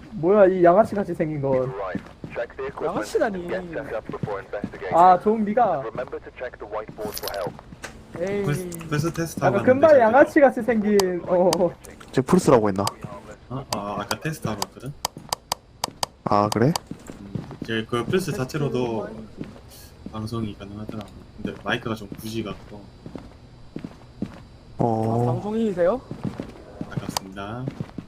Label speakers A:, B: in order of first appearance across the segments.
A: 뭐야 이 양아치 같이 생긴 건.
B: 양아치다니.
A: 아 좀비가 에이
C: 벌써 테스트 하고
A: 약간 금발 양아치 같이 생긴
D: 지금 플스라고 했나?
C: 아까 테스트 하고 왔거든?
D: 아 그래?
C: 이제 그 플스 자체로도 방송이 가능하더라고. 근데 마이크가 좀 부지 같고
B: 방송인이세요?
C: 아깝습니다.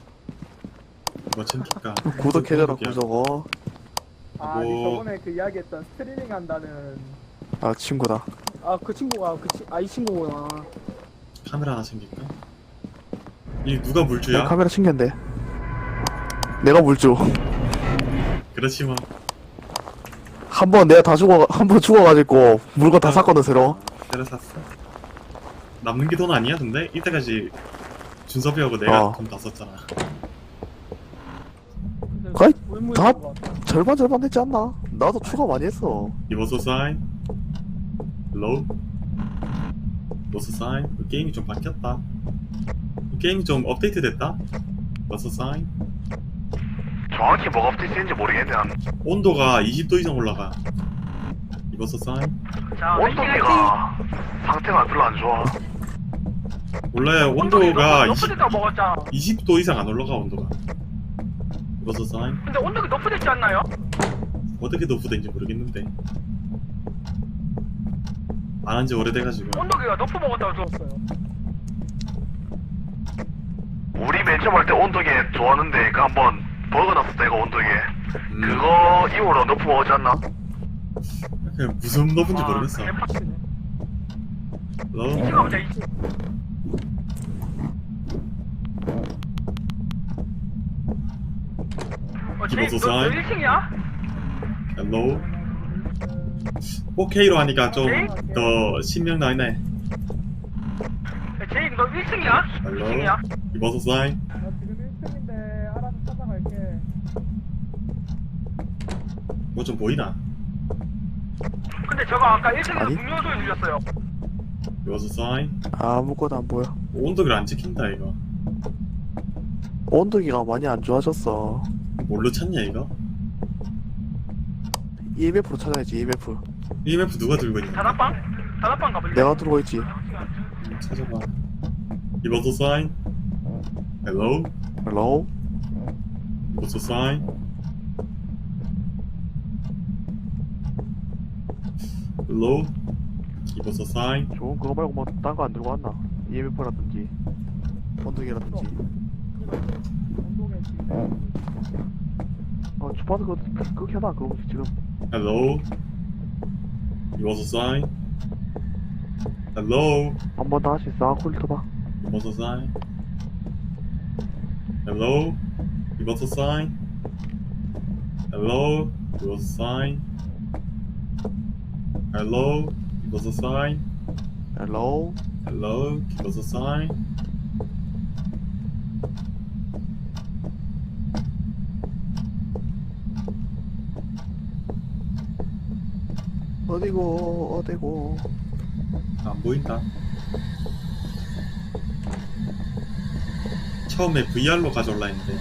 C: 뭐 챙길까?
D: 구독해줘라 구독어.
A: 아 니 저번에 그 이야기했던 스트리밍 한다는
D: 아 친구다.
B: 아 그 친구가 이 친구구나.
C: 카메라 하나 챙길까? 이 누가 물주야?
D: 내 카메라 챙겼는데. 내가 물주.
C: 그렇지 뭐.
D: 한 번 내가 한 번 죽어가지고 물건 다 샀거든 새로.
C: 새로 샀어. 남는 게 돈 아니야 근데? 이때까지 준섭이하고 내가 돈 다 썼잖아.
D: 거의
B: 물
D: 다-
B: 것 같아.
D: 절반 됐지 않나? 나도 추가 많이 했어.
C: 이버소 사인 로우 버소 사인 게임이 좀 바뀌었다. 게임이 좀 업데이트 됐다. 버소 사인
E: 정확히 뭐가 업데이트된지 모르겠네.
C: 온도가 20도 이상 올라가. 이버소 사인
E: 온도계가 상태가 별로 안 좋아.
C: 원래 온도가
F: 높아졌다고 먹었잖아.
C: 20도 이상 안 올라가 온도가. 이버소 사인
F: 근데 온도가 높아졌지 않나요?
C: 어떻게 노프된지 모르겠는데 안 한 지 오래돼가지고.
F: 온도계가 높아 먹었다고 들었어요.
E: 우리 맨 처음 할 때 온도계 좋았는데 그 한번 버그 났었다 이거 온도계. 그거 이후로 높은 먹었지 않나?
C: 그냥 무슨 높은지 모르겠어.
F: 개빡치네.
C: 로우
F: 이치가 보자 이치.
C: 기본소
F: 너
C: 사인
F: 1층이야?
C: 헬로우 4K로 하니까 좀 더 신명 나네.
F: 제이 너 1층이야?
C: 헬로우
F: 2층이야?
C: 이버소 사인
A: 나 지금 1층인데 알아서 찾아갈게.
C: 뭐 좀 보이나?
F: 근데 저거 아까 1층에서
D: 아니?
F: 분명 소리 들렸어요.
C: 이버소 사인
D: 아무것도 안 보여.
C: 온도를 안 지킨다 이거.
D: 온도계가 많이 안 좋아졌어.
C: 뭘로 찾냐 이거?
D: EMF로 찾아야지 EMF.
C: EMF 누가 들고 있냐?
F: 다락방? 다락방 가볼래?
D: 내가 들고 있지.
C: 찾아봐. 이버소 사인 헬로우
D: 헬로.
C: 이버소 사인 헬로우 이버소 사인
D: 좋은 그거 말고 뭐 딴 거 안 들고 왔나? EMF라든지 온도계라든지. 주파수 그거 켜놔 그거 지금.
C: 헬로우 이버소 사인 헬로우
D: 한 번 더 할 수 있어. 훑어봐.
C: 이버소 사인 헬로우 이버소 사인 헬로우 이버소 사인 헬로우 이버소 사인
D: 헬로.
C: 헬로우 이버소 사인
D: 어디고
C: 안 보인다. 처음에 VR로 가져올라 했는데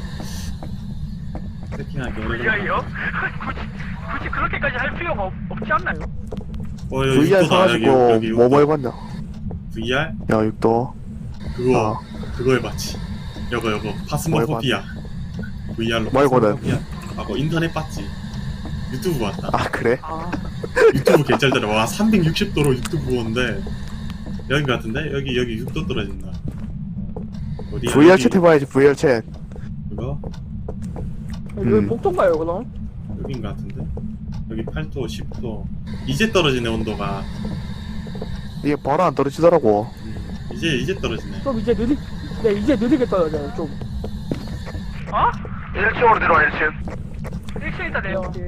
C: 세팅하기 오래
F: VR이요? 굳이 그렇게까지 할 필요가 없지 않나요?
C: 여기
D: VR
C: 육도다.
D: 사가지고
C: 여기
D: 뭐 해봤냐?
C: VR?
D: 야 육도.
C: 그거
D: 아.
C: 그거 해봤지. 여거 파스모포피아 VR로
D: 말고는.
C: 하고 인터넷 봤지. 유튜브 봤다.
D: 아 그래?
C: 유튜브 개쩔더라. 와 360도로 유튜브 보는데 여기 같은데? 여기 6도 떨어진다. 어디야?
D: VR
C: 여기,
D: 챗 해봐야지 VR 챗.
C: 그거?
B: 여기 복도인가요 그럼?
C: 여긴 것 같은데? 여기 8도, 10도. 이제 떨어지네, 온도가.
D: 이게 바로 안 떨어지더라고.
C: 이제 떨어지네.
B: 좀 이제 이제 느리게 떨어져요 좀.
F: 어?
E: 1층으로 내려와 1층.
F: 1층 있다 내요.
A: 오케이.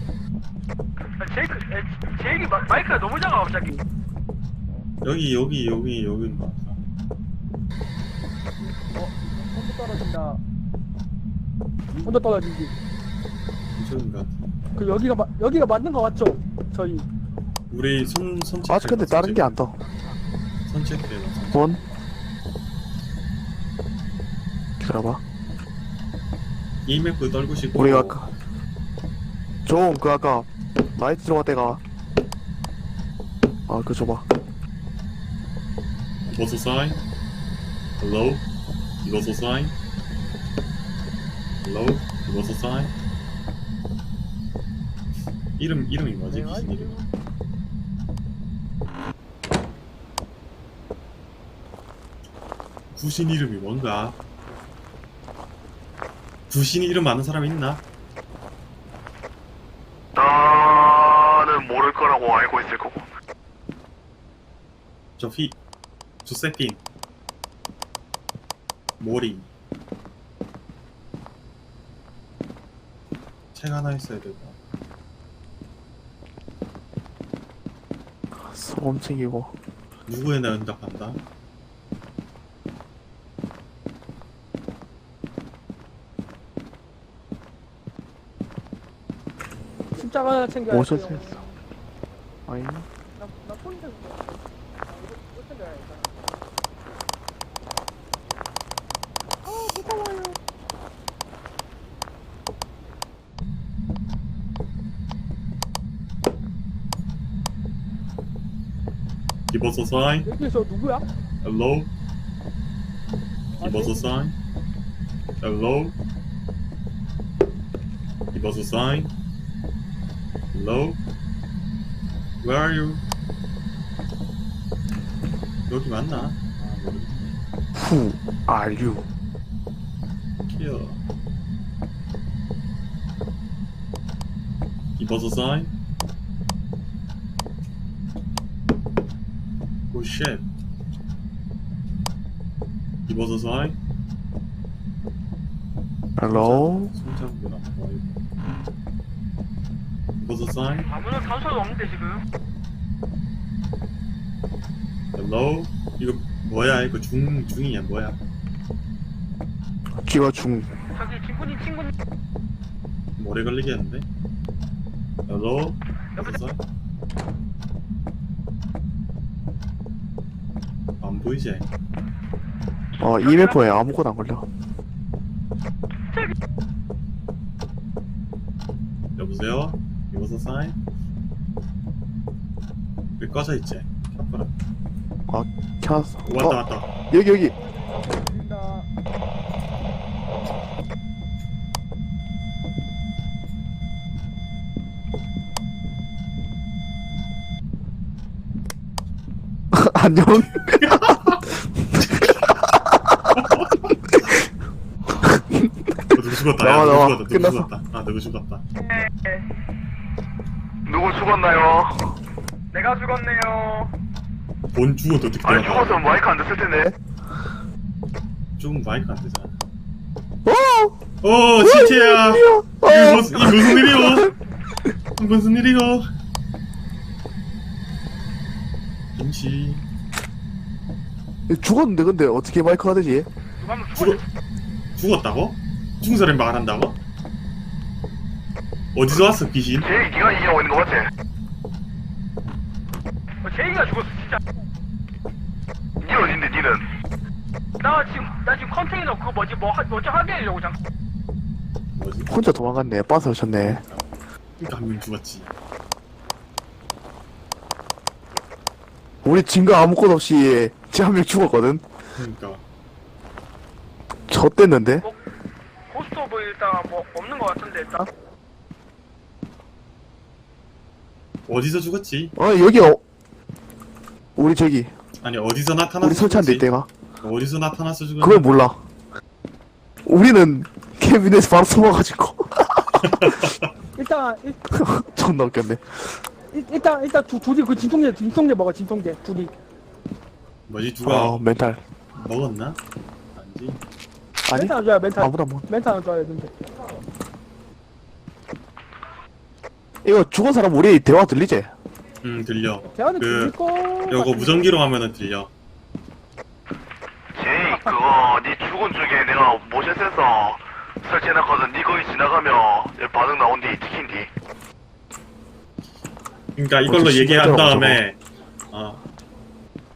F: 제이기 마이크가 너무 작아 갑자기.
C: 여긴 것 같아.
A: 온도 떨어진다.
B: 온도 떨어지지.
C: 이쪽인 것 같아.
B: 그 여기가 맞는 거 맞죠? 저희.
C: 우리 손 체크.
D: 아직 근데 다른 게 안 떠.
C: 손 체크해봐.
D: 본. 기다려봐.
C: EMF 떨구시고.
D: 우리가 아까 좀 그 아까 나이트 들어갈 때가 그 줘봐.
C: 이버섯 사인. Hello. 이버섯 사인. Hello. 이버섯 사인. 이름이 뭐지? 귀신 이름. 구신 이름이 뭔가? 구신 이름 아는 사람 있나?
E: 나는 모를 거라고 알고 있을 거고.
C: 조세핀. 모리. 책 하나 있어야 되고.
D: 소금 챙기고.
C: 누구에 나 응답한다?
B: 십자가 하나 챙겨야
D: 뭐
B: 돼요.
D: 썼어? 아니.
B: 나 폰인데 그거. 이거 챙겨야겠다. 무서워요.
C: 이버섯 사인.
B: 여기서 누구야?
C: Hello. 이버섯 사인. Hello. 이버섯 사인. Hello. Where are you? 여기 맞나? 아, 모르겠네.
D: Who are you?
C: 키어. 이버섯 사인. 오 쉣. 이버섯 사인.
D: Hello.
C: 손잡구나. 이버섯 사인.
F: 아무런 단서도 없는데 지금.
C: Hello. 이거 뭐야? 이거 중이야 뭐야?
D: 기와 중.
F: 저기 진군이 친구님.
C: 오래 걸리겠는데? Hello.
F: 여보세요?
C: 안 보이지?
D: EMF에 아무것도 안 걸려.
C: 여보세요? 이버섯 사인? 왜 꺼져 있지? 켜봐라.
D: 켰어.
C: 왔다.
D: 여기.
B: 나
D: 안녕.
C: 누구 죽었다.
D: 나와,
C: 야,
D: 나와.
C: 누구
D: 끝났어.
C: 죽었다. 아, 누구 죽었다.
E: 누구 죽었나요?
F: 내가 죽었네요.
C: 본 죽어도 어떻게
E: 아니
C: 들어가?
E: 죽었으면 마이크 안 됐을 텐데.
C: 죽으면 마이크 안 되잖아.
D: 어!
C: 시체야.
D: 어!
C: 이거 무슨 일이요? 무슨 일이요? 김치.
D: 죽었는데 근데 어떻게 마이크가 되지?
F: 누가 하면 죽었.
C: 죽었다고? 죽은 사람이 말한다고? 어디서 왔어 귀신?
E: 제이 니가 얘기하고 있는 거 맞지?
F: 제이가 죽었어 진짜.
E: 니 어딘데 니는?
F: 나 지금 컨테이너 그거 뭐지 뭐지 하게 하려고 잠깐.
C: 뭐지?
D: 혼자 도망갔네. 빠서 오셨네.
C: 그러니까 한 명 죽었지.
D: 우리 증거 아무것도 없이 쟤 한 명 죽었거든.
C: 그러니까
D: 졌댔는데?
F: 고스트 오브 일단 뭐 없는 거 같은데 일단.
C: 어디서 죽었지?
D: 여기 우리 저기
C: 아니 어디서 나타났어?
D: 우리 설치한 데 이때가
C: 어디서 나타났어 죽었지?
D: 그걸 몰라. 우리는 캐비넷에 바로 숨어가지고
B: 일단
D: 존나 웃겼네.
B: 일단 둘이 그 진통제 먹어 진통제 둘이.
C: 뭐지 누가
D: 멘탈.
C: 먹었나? 아니지.
D: 아니
B: 멘탈 안 줘야 멘탈.
D: 아무도 안 먹.
B: 멘탈 안 줘야 되는데.
D: 이거 죽은 사람 우리 대화 들리지?
C: 들려.
B: 대화는
C: 그,
B: 들릴 거.
C: 요거 무전기로 하면은 들려.
E: 제이 그거 니 죽은 쪽에 내가 모션 센서 설치해놨거든. 니 거기 지나가면 반응 나온디 찍힌디.
C: 그러니까 이걸로
D: 어째
C: 얘기한
D: 신기하더라고,
C: 다음에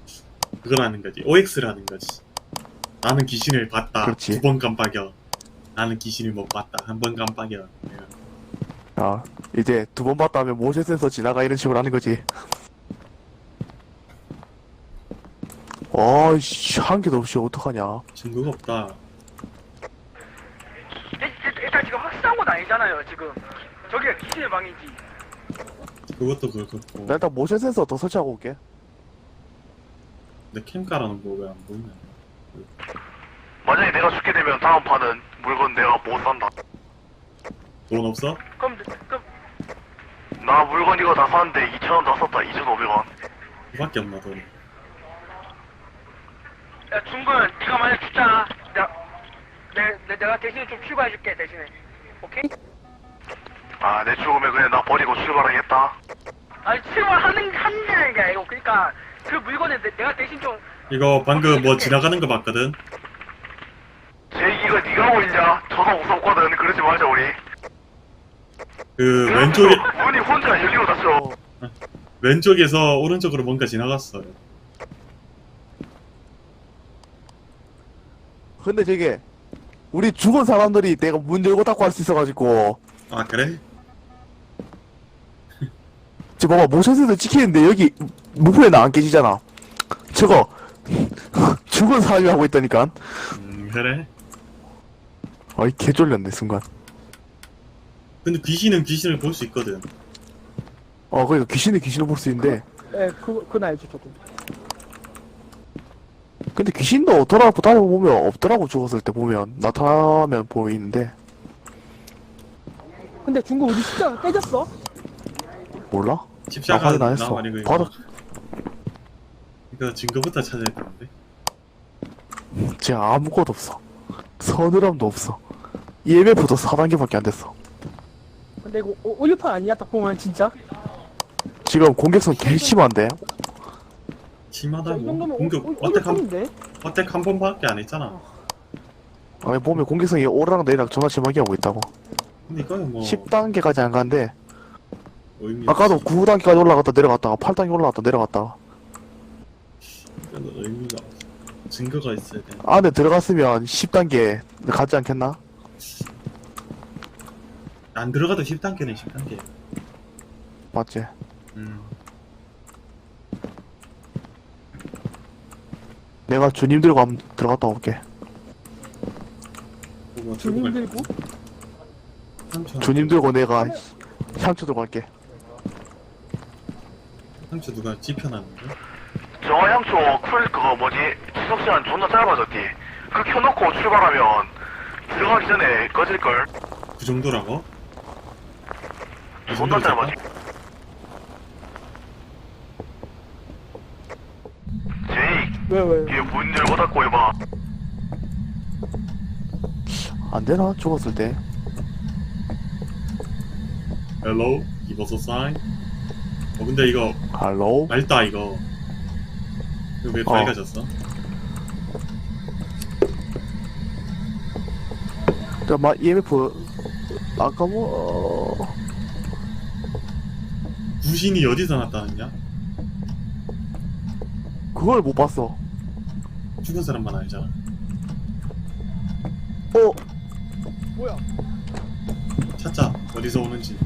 C: 그걸 하는 거지. OX를 하는 거지. 나는 귀신을 봤다.
D: 그렇지.
C: 9번 깜빡여. 나는 귀신을 못 봤다. 한 번 깜빡이야. 내가.
D: 아, 이제 두 번 봤다 하면 모션 센서 지나가 이런 식으로 하는 거지. 아이씨, 한 개도 없이 어떡하냐.
C: 증거가 없다.
F: 일단 지금 확실한 건 아니잖아요 지금. 저기가 귀신의 방이지.
C: 그것도 그렇고.
D: 나 일단 모션 센서 더 설치하고 올게.
C: 근데 캠 깔아놓은 거 왜 안 보이냐?
E: 만약에 내가 죽게 되면 다음 판은 물건 내가 못 산다.
C: 돈 없어?
F: 그럼
E: 나 물건 이거 다 샀는데 2,000원 다 썼다. 2,500원.
C: 그밖에 없나 돈.
F: 야 중근 네가 만약 죽잖아. 내가 대신에 좀 추가해줄게 대신에. 오케이?
E: 아, 내 죽으면 그냥 나 버리고 출발하겠다.
F: 아니 출발하는 게 아니고 그러니까 그 물건에 내가 대신 좀.
C: 이거 방금 뭐 지나가는 거 봤거든?
E: 제이기가 네가 하고 있냐? 저도 무섭거든. 그러지 말자 우리.
C: 그 왼쪽에
E: 문이 혼자 열리고 닫혀.
C: 왼쪽에서 오른쪽으로 뭔가 지나갔어요.
D: 근데 저게, 우리 죽은 사람들이 내가 문 열고 닫고 할 수 있어가지고,
C: 아 그래?
D: 지금 봐봐, 모션 센서 찍히는데 여기 무표에는 안 깨지잖아. 저거, 죽은 사람이 하고 있다니까.
C: 그래?
D: 아이, 개쫄렸네, 순간.
C: 근데 귀신은 귀신을 볼 수 있거든.
D: 그러니까 귀신을 볼 수 있는데,
B: 예, 그건 알죠, 저도.
D: 근데 귀신도 돌아보고 다녀보면 없더라고, 죽었을 때 보면. 나타나면 보이는데,
B: 근데 중국 우리 십자가 깨졌어?
D: 몰라?
C: 십자가
D: 확인 안 했어.
C: 나만 이거
D: 바로,
C: 이거 증거부터 찾아야 되는데.
D: 진짜 아무것도 없어. 서늘함도 없어. EMF도 4단계밖에 안 됐어.
B: 근데 이거 오류판 아니야, 딱 보면 진짜?
D: 지금 공격성 개 심한데?
B: 이
C: 심하다고.
B: 정도면
C: 공격
B: 오류판인데?
C: 어택 한 번밖에 안 했잖아.
D: 아니, 보면 공격성이 오르락 내리락 존나 심하게 하고 있다고.
C: 근데 이거는 뭐
D: 10단계까지 안 가는데,
C: 의미
D: 아까도
C: 없지.
D: 9단계까지 올라갔다 내려갔다가 8단계 올라갔다 내려갔다가
C: 이거는 의미가 없어. 증거가 있어야 돼.
D: 안에 들어갔으면 10단계 가지 않겠나?
C: 안 들어가도 10단계는 10단계.
D: 맞지? 내가 주님 들고 한번 들어갔다 올게.
C: 뭐
B: 주님 들고?
D: 주님 들고 내가 향초 들고 갈게.
C: 상처 누가 지펴놨는데?
E: 정화향초 쿨 그거 뭐지? 지속 시간 존나 짧아졌디. 그 켜놓고 출발하면 들어가기 전에 꺼질걸.
C: 그 정도라고? 그
E: 존나
C: 정도로
E: 짧아지. 제이,
B: 왜?
E: 뒤에 문 열고 닫고 해봐.
D: 안 되나? 죽었을 때.
C: Hello? Give us a sign? 근데 이거
D: 할로?
C: 맑다 이거. 이거 왜 밝아졌어?
D: 잠깐만, EMF, 아까 뭐,
C: 구신이 어디서 나타났냐?
D: 그걸 못 봤어.
C: 죽은 사람만 알잖아.
B: 뭐야?
C: 찾자. 어디서 오는지.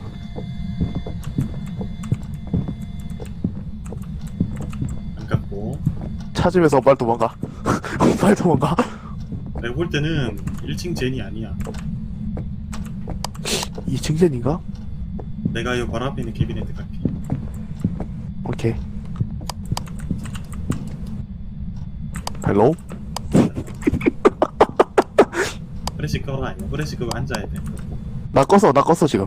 C: 안 갔고.
D: 찾으면서 빨리 도망가. 빨리 도망가.
C: 내가 볼 때는 1층 젠이 아니야.
D: 2층 젠인가?
C: 내가 이 바로 앞에 있는 캐비넷 갈게.
D: 오케이. 헬로?
C: 프레시 꺼라 이거. 프레시 그거 앉아야 돼.
D: 나 껐어 지금.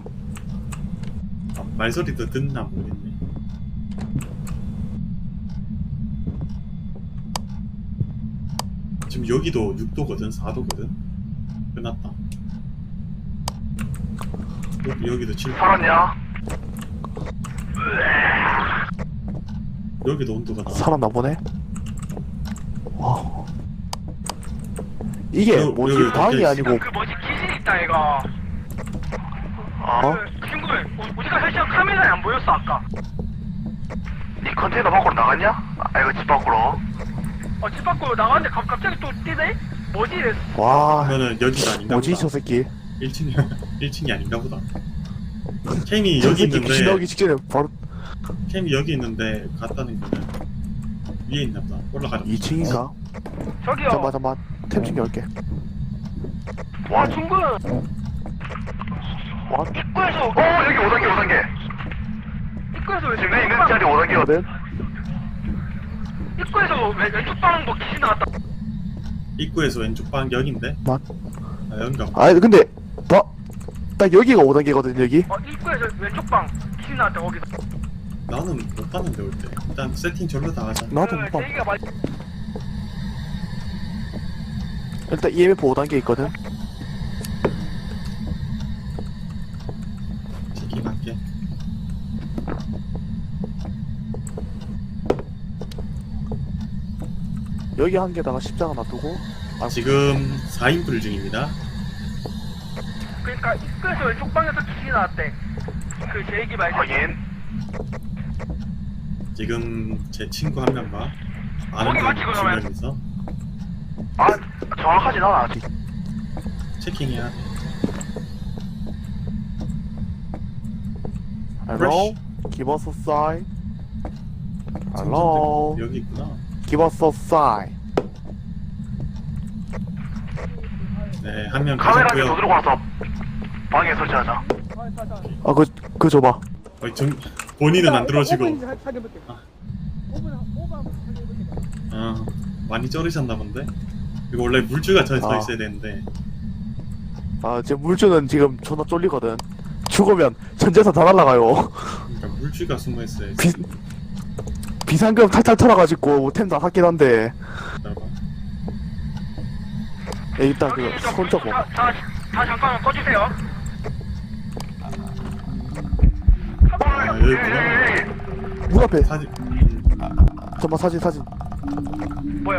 C: 말소리도 듣나 모르겠네. 지금 여기도 6도거든, 4도거든. 끝났다. 여기도 7도.
E: 살았냐?
C: 여기도 온도가 나와.
D: 살았나 보네. 와. 이게
C: 여기,
D: 뭐지?
C: 여기
D: 방이
C: 밖에
D: 아니고
F: 그 뭐지 귀신 있다 이거.
D: 어?
F: 그 친구 우리가 설치한 카메라에 안 보였어 아까.
E: 니 컨테이너 밖으로 나갔냐? 아, 이거 집 밖으로.
F: 집 밖으로 나갔는데 갑자기 또 뛰네? 뭐지?
D: 와,
C: 그러면은 여기가 아닌가
D: 뭐지
C: 보다.
D: 저 새끼?
C: 1층이 1층이 아닌가 보다. 캠이
D: 저
C: 여기
D: 새끼 귀신 나오기
C: 있는데
D: 직전에 바로
C: 캠이 여기 있는데 갔다는 거는 위에 있나 보다. 올라가자.
D: 2층인가?
F: 저기요.
D: 잠깐만 템 챙겨올게.
F: 와 중근.
D: 와,
F: 입구에서
E: 여기 5단계.
F: 입구에서
E: 지금 내 있는 자리 5단계거든.
D: 거든?
F: 입구에서 왼쪽 방향도 귀신 나왔다.
C: 입구에서 왼쪽 방 여긴데.
D: 맞.
C: 아 여긴가 보다.
D: 아니 근데 딱 여기가 5단계거든 여기.
F: 입구에서 왼쪽 방 귀신 나왔다 거기서.
C: 나는 못 봤는데 올 때. 일단 세팅 절로 다 하자.
D: 나도 못 봐.
F: 제이가 말.
D: 일단 EMF 5단계 있거든.
C: 체킹할게.
D: 여기 한 개다가 십자가 놔두고. 아,
C: 지금 4인불 중입니다.
F: 그러니까 입구에서 왼쪽 방에서 귀신 나왔대. 그 제이기 말대.
E: 확인.
C: 지금 제 친구 한 명과 아는
F: 거기 맞지,
C: 분
F: 그러면?
C: 2명이서
E: 아, 정확하진 않아, 아직.
C: 체킹해야 돼.
D: Hello? Give us a sign. Hello?
C: 여기 있구나.
D: Give us a sign.
C: 네, 한 명
E: 카메라 좀
C: 가셨고요.
E: 들고 와서 방에 설치하자.
D: 아, 그거 줘봐.
C: 본인은 안 들어오시고.
B: 5분 확인해볼게.
C: 아.
B: 5분 한번 확인해볼게.
C: 많이 쩔으셨나 본데? 이거 원래 물주가 서
D: 아.
C: 있어야 되는데.
D: 아, 지금 물주는 지금 존나 쫄리거든. 죽으면 전 재산 다 날라가요.
C: 그러니까 물주가 숨어 있어야지.
D: 비상금 탈탈 털어가지고 템 다 샀긴 한데.
C: 기다려봐.
D: 일단 그 손잡고.
F: 다 잠깐만 꺼주세요.
C: 아, 여기 있구나.
D: 문 앞에.
C: 사진.
D: 잠깐만 사진.
F: 뭐야.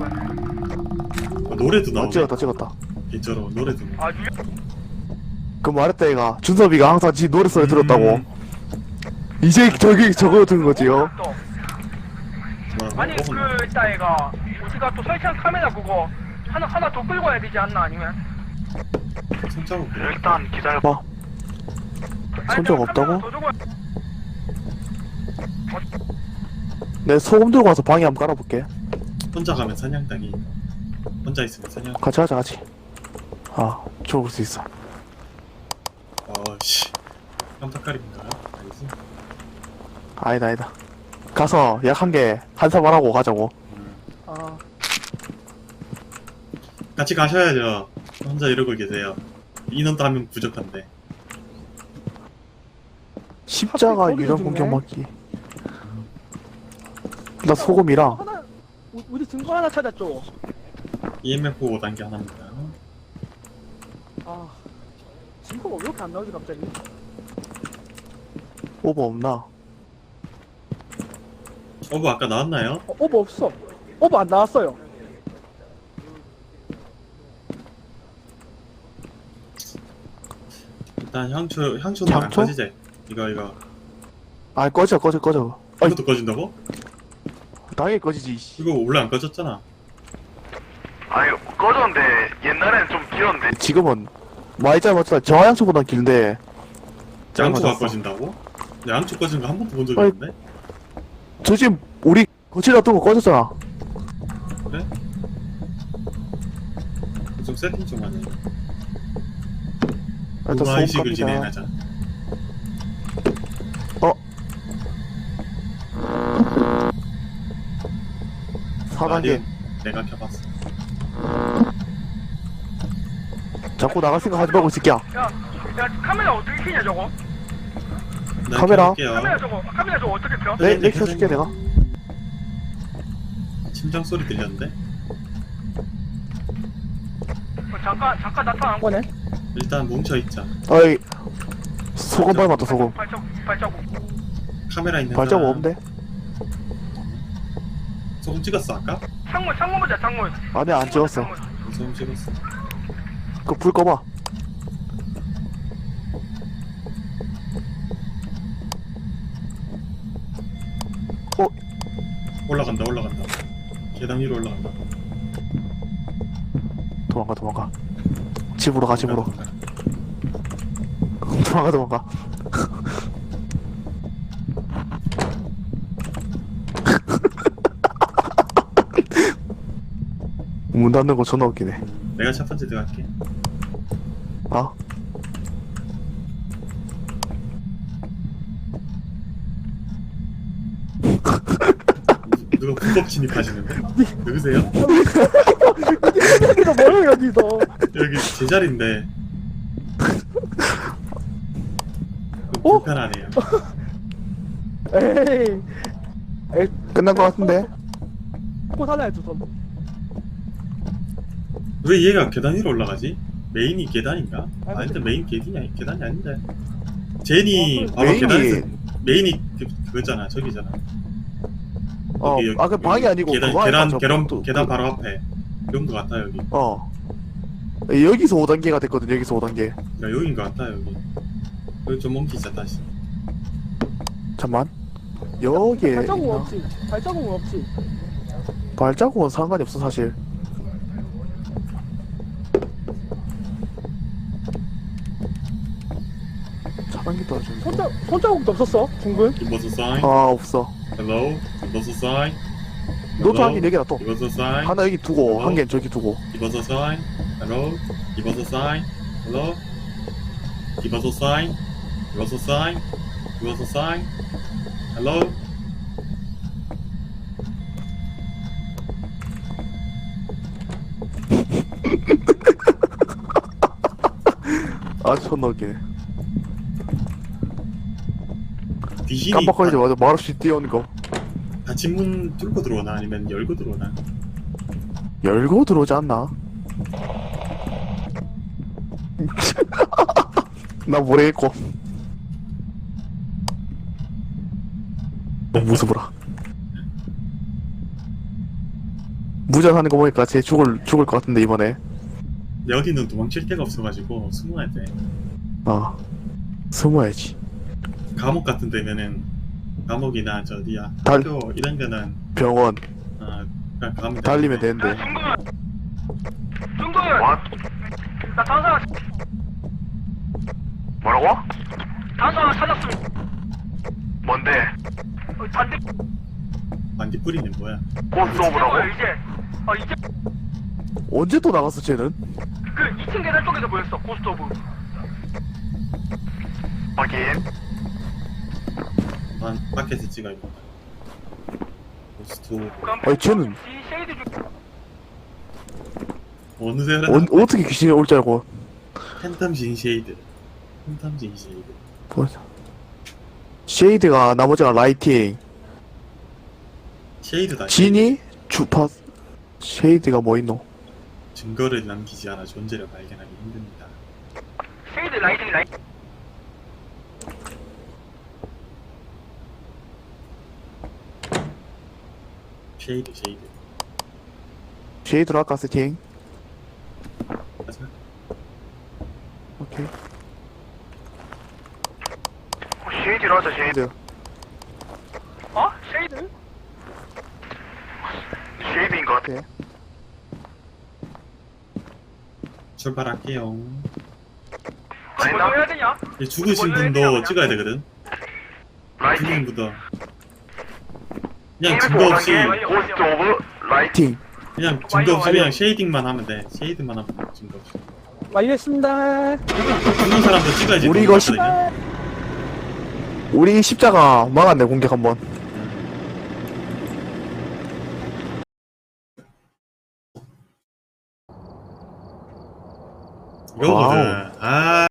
C: 노래도 나오네.
D: 찍었다.
C: 개쩔어. 노래도 나오네.
F: 아 유령.
D: 그 말했다 얘가. 준섭이가 항상 지 노래 소리 들었다고. 이제 저거 듣는 거지요.
F: 또.
C: 뭐라고?
F: 아니
C: 먹었나?
F: 그 이따 애가 우리가 또 설치한 카메라 그거 하나 더 끌고 와야 되지 않나 아니면?
C: 손잡고 그래.
E: 일단 기다려.
D: 봐. 손잡 없다고? 내 소금 들고 와서 방에 한번 깔아볼게.
C: 혼자 가면 사냥당이. 혼자 있으면 사냥.
D: 같이 가자 같이. 아, 죽을 수 있어.
C: 씨. 깜짝거립니다. 알지?
D: 아니다. 가서 약 한 개 한사발하고 가자고.
B: 아,
C: 같이 가셔야죠. 혼자 이러고 계세요. 인원도 한 명 부족한데.
D: 십자가
B: 거기서
D: 유령
B: 죽네.
D: 공격 막기. 나 소금이랑
B: 하나, 우리 증거 하나 찾았죠.
C: EMF 5단계 하나입니다.
B: 아, 증거가 왜 이렇게 안 나오지 갑자기?
D: 오버 없나?
C: 어부 아까 나왔나요?
B: 오버 없어. 오버 안 나왔어요.
C: 일단 향초는 안
D: 향초?
C: 꺼지지. 이거.
D: 아, 꺼져. 아이,
C: 이것도 꺼진다고?
D: 당연히 꺼지지. 씨.
C: 이거 원래 안 꺼졌잖아.
E: 아니, 꺼졌는데, 옛날에는 좀 길었는데.
D: 지금은 Y자 맞잖아. 저하향초보단 길데.
C: 양초가
D: 맞았어.
C: 꺼진다고? 근데 양초 꺼지는 거 한 번도 본 적이
D: 아이,
C: 없는데?
D: 저 지금 우리 거치다 두고 꺼졌잖아.
C: 그래? 좀 세팅 좀 하네.
D: 일단 소금
C: 무마의식을
D: 갑니다.
C: 진행하자.
D: 사단계.
C: 내가 켜봤어.
D: 자꾸 나갈 생각 하지 말고 있을게야.
F: 야 카메라 어떻게 켜냐 저거?
C: 네,
D: 카메라?
C: 켜볼게요.
F: 카메라 저거 어떻게 켜?
D: 내 켜줄게 내가.
C: 심장 소리 들렸는데?
F: 잠깐 나타난 거.
B: 거네.
C: 일단 뭉쳐있자.
D: 어이, 소금 밟았다 소금.
F: 발자국.
C: 카메라 있는
D: 발자국
C: 사람.
D: 없는데?
C: 소금 찍었어 아까?
F: 창문 보자 창문.
D: 아니 안 찍었어.
F: 창문.
C: 소금 찍었어.
D: 그 불 꺼봐.
C: 올라간다. 계단 위로 올라간다.
D: 도망가. 집으로 가, 집으로. 도망가. 문 닫는 거 존나 웃기네.
C: 내가 첫 번째 들어갈게.
D: 아?
C: 누가 불법 침입하시는데? 누구세요?
B: 여기서 뭐해 여기서?
C: 여기 제 자리인데.
B: 어?
C: 불편하네요.
B: 에이,
D: 끝난 거 같은데?
B: 코 살아야죠 전.
C: 왜 얘가 계단 위로 올라가지? 메인이 계단인가? 아닌데 메인 계단이 아닌데. 제니 봐봐 계단에서 메인이 그거잖아 저기잖아. 여기,
D: 그 방이 아니고
C: 계단
D: 그거 아닐까, 저 또,
C: 계단 바로 앞에 그런 거 같다 여기.
D: 여기서 5단계가 됐거든. 여기서 5단계.
C: 야 여긴 거 같다 여기. 여기 좀 옮기자 다시.
D: 잠만. 여기에
B: 발자국
D: 있나?
B: 없지. 발자국 없지.
D: 발자국은 상관이 없어 사실. 차단기 떨어졌네.
B: 손자국도 없었어 중근.
C: 이버스 사인.
D: 없어.
C: Hello. 이버스 사인.
D: 노트 한 개 4개나 또.
C: 이버스 사인.
D: 하나 여기 두고 한 개는 저기 두고.
C: 이버스 사인. Hello. 이버스 사인. Hello. 이버스 사인. 이버스 사인. 이버스 사인. Hello.
D: 존나 웃기네.
C: 귀신이
D: 깜빡거리자마자 말없이 뛰어오는 거.
C: 닫힌 문 뚫고 들어오나 아니면 열고 들어오나?
D: 열고 들어오지 않나? 나 모르겠고. 너무 무서워라. 무전하는 거 보니까 쟤 죽을 것 같은데 이번에.
C: 여기는 도망칠 데가 없어가지고 숨어야 돼.
D: 숨어야지.
C: 감옥 같은 데면은 감옥이나 저 어디야
D: 달-
C: 학교 이런 데는
D: 병원
C: 그냥 가면
D: 달리면
C: 되는데.
D: 되는데.
F: 중근
E: What?
F: 나 단서 하나
E: 뭐라고?
F: 단서 하나 찾았습니다.
E: 뭔데?
F: 반대
C: 반딧불이는 뭐야?
E: 고스트 오브라고?
F: 이제 이제
D: 언제 또 나갔어 쟤는?
F: 그 2층 계단 쪽에서 보였어 고스트 오브.
E: 확인.
C: 난 밖에서 찍어야겠다. 고스트
D: 아니, 쟤는-
F: 쉐이드 중
C: 어느 데라
D: 어떻게 귀신이 올 줄 알고.
C: 팬텀진 쉐이드. 팬텀진 쉐이드.
D: 뭐야. 쉐이드가 나머지가 라이팅.
C: 쉐이드다.
D: 진이 주파. 쉐이드가 뭐 있노?
C: 증거를 남기지 않아 존재를 발견하기 힘듭니다.
F: 쉐이드 라이팅
C: 쉐이드.
D: 쉐이드로 할까 세팅?
C: 가자.
D: 오케이.
E: 쉐이드로 하자, 쉐이드.
D: 쉐이드.
F: 쉐이드?
E: 쉐이드인 것 같아.
D: 오케이.
C: 출발할게요.
F: 뭐 해야 되냐?
C: 이 죽으신 분도 찍어야 되거든.
E: 라이팅.
C: 죽은 분도 그냥 증거 없이
E: 고스트 오브 라이팅.
C: 그냥 증거 없이
F: 완료.
C: 그냥 쉐이딩만 하면 돼. 쉐이드만 하면 돼. 증거 없이.
B: 완료했습니다.
C: 죽는 사람도 찍어야지.
D: 우리
C: 돈
D: 이거
C: 받거든요.
D: 우리 십자가 막았네 공격 한번.
C: 이거거든. 아.